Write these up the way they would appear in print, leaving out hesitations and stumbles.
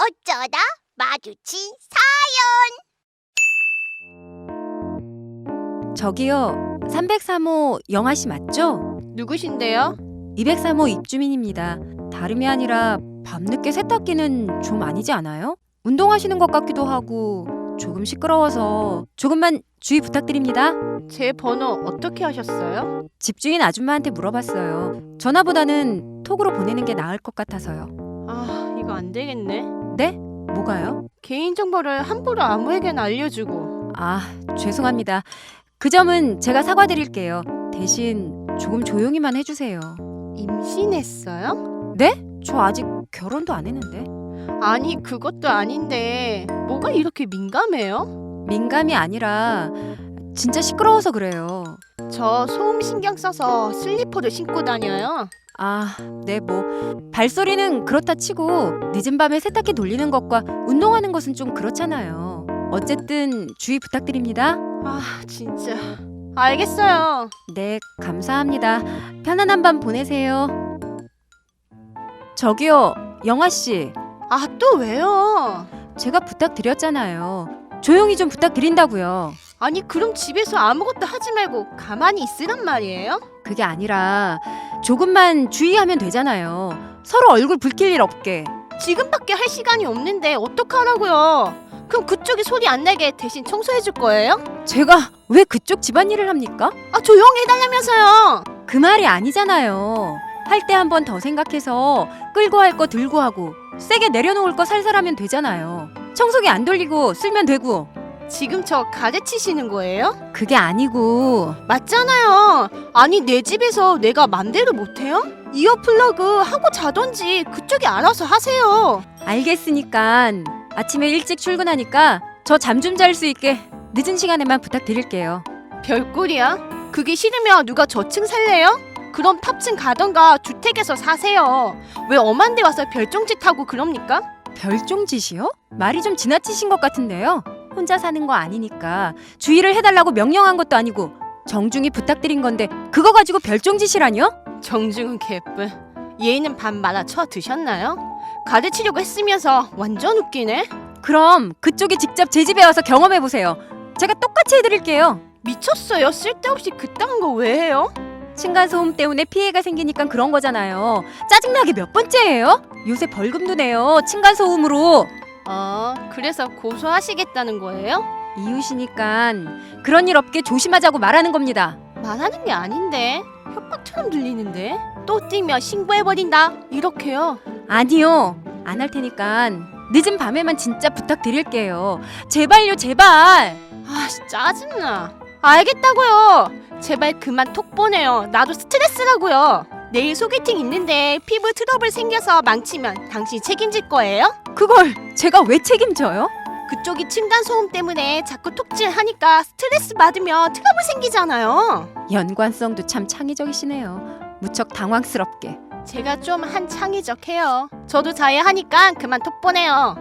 어쩌다 마주친 저기요, 303호 영아씨 맞죠? 누구신데요? 203호 입주민입니다. 다름이 아니라 밤늦게 세탁기는 좀 아니지 않아요? 운동하시는 것 같기도 하고 조금 시끄러워서 조금만 주의 부탁드립니다. 제 번호 어떻게 하셨어요? 집주인 아줌마한테 물어봤어요. 전화보다는 톡으로 보내는 게 나을 것 같아서요. 아, 이거 안 되겠네. 네? 뭐가요? 개인정보를 함부로 아무에게나 알려주고. 아, 죄송합니다. 그 점은 제가 사과드릴게요. 대신 조금 조용히만 해주세요. 임신했어요? 네? 저 아직 결혼도 안 했는데. 아니, 그것도 아닌데 뭐가 이렇게 민감해요? 민감이 아니라 진짜 시끄러워서 그래요. 저 소음 신경 써서 슬리퍼를 신고 다녀요. 아, 네, 뭐 발소리는 그렇다 치고 늦은 밤에 세탁기 돌리는 것과 운동하는 것은 좀 그렇잖아요. 어쨌든 주의 부탁드립니다. 아, 진짜. 알겠어요. 네, 감사합니다. 편안한 밤 보내세요. 저기요, 영아 씨. 아, 또 왜요? 제가 부탁드렸잖아요. 조용히 좀 부탁드린다고요. 아니, 그럼 집에서 아무것도 하지 말고 가만히 있으란 말이에요? 그게 아니라 조금만 주의하면 되잖아요. 서로 얼굴 붉힐 일 없게. 지금밖에 할 시간이 없는데 어떡하라고요? 그럼 그쪽이 소리 안 나게 대신 청소해 줄 거예요? 제가 왜 그쪽 집안일을 합니까? 아, 조용히 해달라면서요. 그 말이 아니잖아요. 할 때 한 번 더 생각해서 끌고 할 거 들고 하고 세게 내려놓을 거 살살 하면 되잖아요. 청소기 안 돌리고 쓸면 되고. 지금 저 가르치시는 거예요? 그게 아니고 맞잖아요. 아니, 내 집에서 내가 맘대로 못해요? 이어 플러그 하고 자던지 그쪽이 알아서 하세요. 알겠으니까 아침에 일찍 출근하니까 저 잠 좀 잘 수 있게 늦은 시간에만 부탁드릴게요. 별꼴이야? 그게 싫으면 누가 저층 살래요? 그럼 탑층 가던가 주택에서 사세요. 왜 엄한 데 와서 별종짓 하고 그럽니까? 별종짓이요? 말이 좀 지나치신 것 같은데요. 혼자 사는 거 아니니까 주의를 해달라고 명령한 것도 아니고 정중히 부탁드린 건데 그거 가지고 별종짓이라뇨? 정중은 개뿔. 얘는 밥 말아 쳐 드셨나요? 가르치려고 했으면서 완전 웃기네. 그럼 그쪽이 직접 제 집에 와서 경험해보세요. 제가 똑같이 해드릴게요. 미쳤어요. 쓸데없이 그딴 거 왜 해요? 층간소음 때문에 피해가 생기니까 그런 거잖아요. 짜증나게 몇 번째예요? 요새 벌금도 내요. 층간소음으로. 그래서 고소하시겠다는 거예요? 이웃이니까 그런 일 없게 조심하자고 말하는 겁니다. 말하는 게 아닌데 협박처럼 들리는데. 또 뛰면 신고해버린다 이렇게요. 아니요. 안 할 테니까 늦은 밤에만 진짜 부탁드릴게요. 제발요, 제발. 아, 짜증나. 알겠다고요. 제발 그만 톡 보내요. 나도 스트레스라고요. 내일 소개팅 있는데 피부 트러블 생겨서 망치면 당신 책임질 거예요? 그걸 제가 왜 책임져요? 그쪽이 층간소음 때문에 자꾸 톡질하니까 스트레스 받으면 트러블 생기잖아요. 연관성도 참 창의적이시네요. 무척 당황스럽게. 제가 좀 한 창의적해요. 저도 자해하니까 그만 톡 보내요.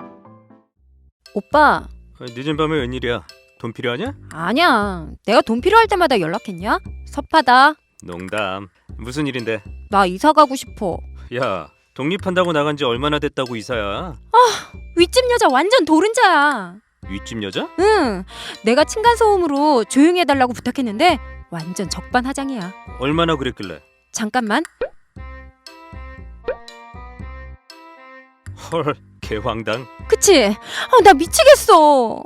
오빠, 늦은 밤에 웬일이야? 돈 필요하냐? 아니야. 내가 돈 필요할 때마다 연락했냐? 섭하다. 농담. 무슨 일인데? 나 이사 가고 싶어. 야, 독립한다고 나간 지 얼마나 됐다고 이사야? 윗집 여자 완전 도른자야. 윗집 여자? 응. 내가 층간소음으로 조용히 해달라고 부탁했는데 완전 적반하장이야. 얼마나 그랬길래? 잠깐만. 헐, 개황당. 그치? 나 미치겠어.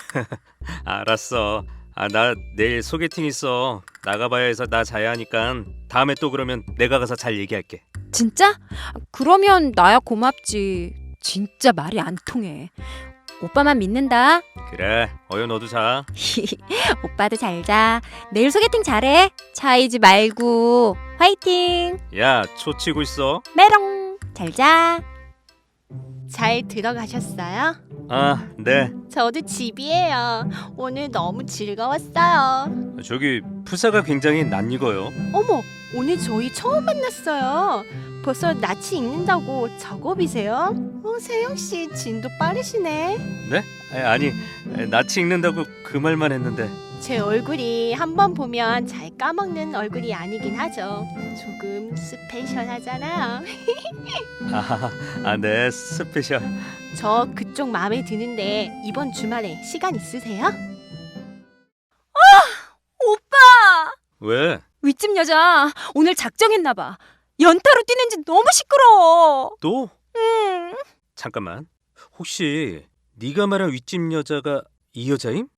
알았어. 나 내일 소개팅 있어. 나가봐야 해서 나 자야 하니까 다음에 또 그러면 내가 가서 잘 얘기할게. 진짜? 그러면 나야 고맙지. 진짜 말이 안 통해. 오빠만 믿는다. 그래, 어여 너도 자. 오빠도 잘 자. 내일 소개팅 잘해. 차이지 말고. 화이팅. 야, 초 치고 있어. 메롱. 잘 자. 잘 들어가셨어요? 아, 네. 저도 집이에요. 오늘 너무 즐거웠어요. 저기 푸사가 굉장히 낯익어요. 어머, 오늘 저희 처음 만났어요. 벌써 낯이 익는다고 작업이세요? 세영씨 진도 빠르시네. 네? 아니, 낯이 익는다고 그 말만 했는데. 제 얼굴이 한 번 보면 잘 까먹는 얼굴이 아니긴 하죠. 조금 스페셜하잖아요. 네, 스페셜. 저 그쪽 마음에 드는데 이번 주말에 시간 있으세요? 오빠! 왜? 윗집 여자 오늘 작정했나 봐. 연타로 뛰는지 너무 시끄러워. 또? 음. 잠깐만. 혹시 네가 말한 윗집 여자가 이 여자임?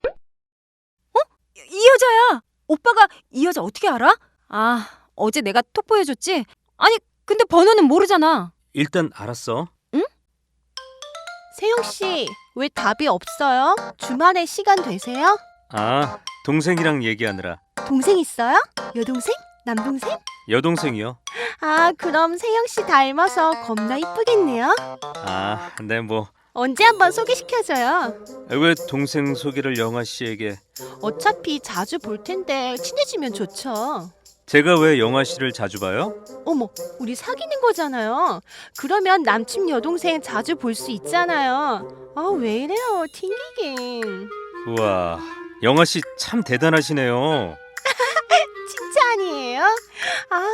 이 여자야. 오빠가 이 여자 어떻게 알아? 아, 어제 내가 톡 보여줬지? 아니, 근데 번호는 모르잖아. 일단 알았어. 세영 씨, 왜 답이 없어요? 주말에 시간 되세요? 동생이랑 얘기하느라. 동생 있어요? 여동생? 남동생? 여동생이요. 아, 그럼 세영 씨 닮아서 겁나 이쁘겠네요. 네, 뭐. 언제 한번 소개시켜줘요. 왜 동생 소개를 영아 씨에게? 어차피 자주 볼 텐데 친해지면 좋죠. 제가 왜 영아 씨를 자주 봐요? 어머, 우리 사귀는 거잖아요. 그러면 남친 여동생 자주 볼 수 있잖아요. 아, 왜 이래요, 튕기긴. 우와, 영아 씨 참 대단하시네요. 칭찬이에요? 아,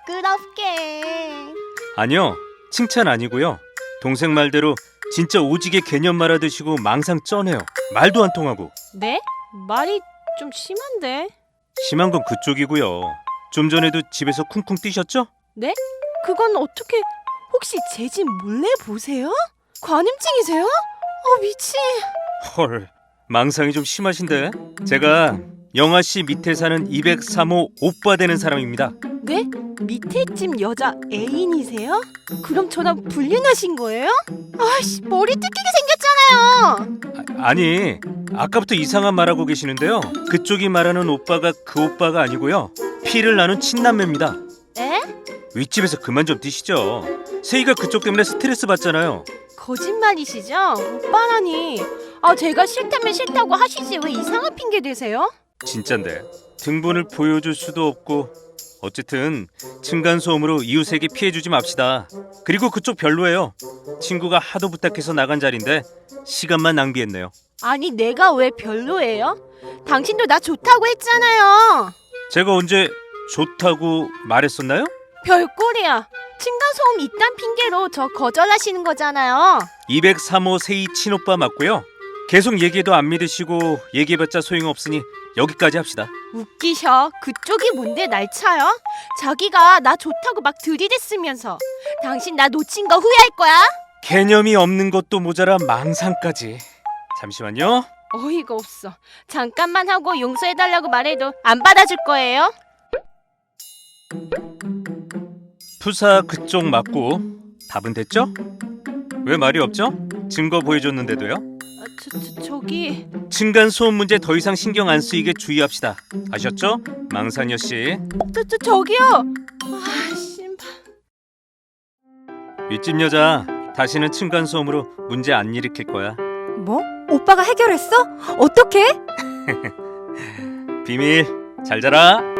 부끄럽게. 아니요, 칭찬 아니고요. 동생 말대로 진짜 오지게 개념 말아드시고 망상 쩌네요. 말도 안 통하고. 네? 말이 좀 심한데. 심한 건 그쪽이고요. 좀 전에도 집에서 쿵쿵 뛰셨죠? 네? 그건 어떻게... 혹시 제 집 몰래 보세요? 관음증이세요? 미친. 헐, 망상이 좀 심하신데? 제가 영아 씨 밑에 사는 203호 오빠 되는 사람입니다. 네? 밑에 집 여자 애인이세요? 그럼 저랑 불륜하신 거예요? 아이씨, 머리 뜯기게 생겼잖아요. 아니, 아까부터 이상한 말하고 계시는데요. 그쪽이 말하는 오빠가 그 오빠가 아니고요. 피를 나눈 친남매입니다. 에? 윗집에서 그만 좀 뛰시죠. 세희가 그쪽 때문에 스트레스 받잖아요. 거짓말이시죠? 오빠라니. 제가 싫다면 싫다고 하시지 왜 이상한 핑계 대세요? 진짠데. 등본을 보여줄 수도 없고. 어쨌든 층간소음으로 이웃에게 피해주지 맙시다. 그리고 그쪽 별로예요. 친구가 하도 부탁해서 나간 자리인데 시간만 낭비했네요. 아니, 내가 왜 별로예요? 당신도 나 좋다고 했잖아요. 제가 언제 좋다고 말했었나요? 별꼴이야. 층간소음 이딴 핑계로 저 거절하시는 거잖아요. 203호 세희 친오빠 맞고요. 계속 얘기해도 안 믿으시고 얘기해봤자 소용없으니 여기까지 합시다. 웃기셔. 그쪽이 뭔데 날 차요? 자기가 나 좋다고 막 들이댔으면서. 당신 나 놓친 거 후회할 거야? 개념이 없는 것도 모자라 망상까지. 잠시만요. 어이가 없어. 잠깐만 하고 용서해달라고 말해도 안 받아줄 거예요? 푸사 그쪽 맞고 답은 됐죠? 왜 말이 없죠? 증거 보여줬는데도요? 저기... 층간소음 문제 더 이상 신경 안 쓰이게 주의합시다. 아셨죠? 망상여 씨. 저기요! 신발... 윗집 여자 다시는 층간소음으로 문제 안 일으킬 거야. 뭐? 오빠가 해결했어? 어떻게? 비밀. 잘 자라.